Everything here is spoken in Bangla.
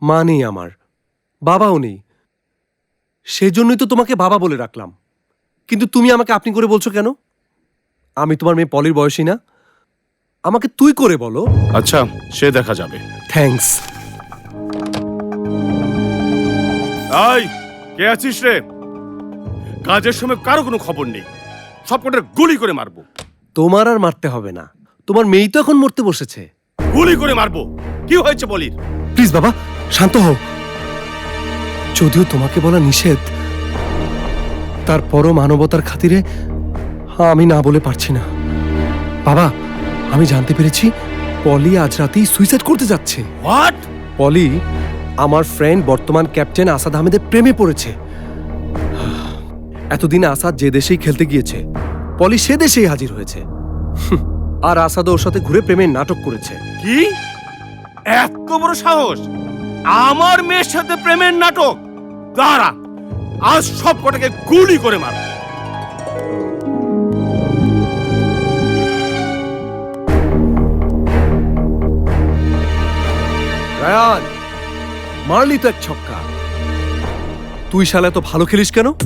মা নেই আমার, বাবাও নেই, সেজন্যই তো তোমাকে বাবা বলে রাখলাম। কিন্তু তুমি আমাকে আপনি করে বলছো কেন? আমি তোমার মেয়ে পলির বয়সী না? আমাকে তুই করে বলো। আচ্ছা, সে দেখা যাবে। থ্যাঙ্কস। এই, কে আছিস রে? কাজের সময় কারো কোনো খবর নেই, সব কটার গুলি করে মারবো। তোমার আর মারতে হবে না, তোমার মেয়েই তো এখন মরতে বসেছে। গুলি করে মারবো। কি হয়েছে বলির? প্লিজ বাবা, শান্ত হও। যদিও তোমাকে বলা নিষেধ, তারপরও মানবতার খাতিরে আমি না বলে পারছি না। বাবা, আমি জানতে পেরেছি পলি আজ রাতেই সুইসাইড করতে যাচ্ছে। হোয়াট? পলি আমার ফ্রেন্ড বর্তমান ক্যাপ্টেন আসাদ আহমেদের প্রেমে পড়েছে। এতদিন আসাদ যে দেশেই খেলতে গিয়েছে, পলি সে দেশেই হাজির হয়েছে। আর আসাদ ওর সাথে ঘুরে প্রেমের নাটক করেছে। কি? এত বড় সাহস! আমার মেয়ের সাথে প্রেমের নাটক! দাঁড়া, আজ সব কটাকে গুলি করে মার। রায়ান, মারলি তো এক ছক্কা। তুই শালা তো ভালো খেলিস কেন?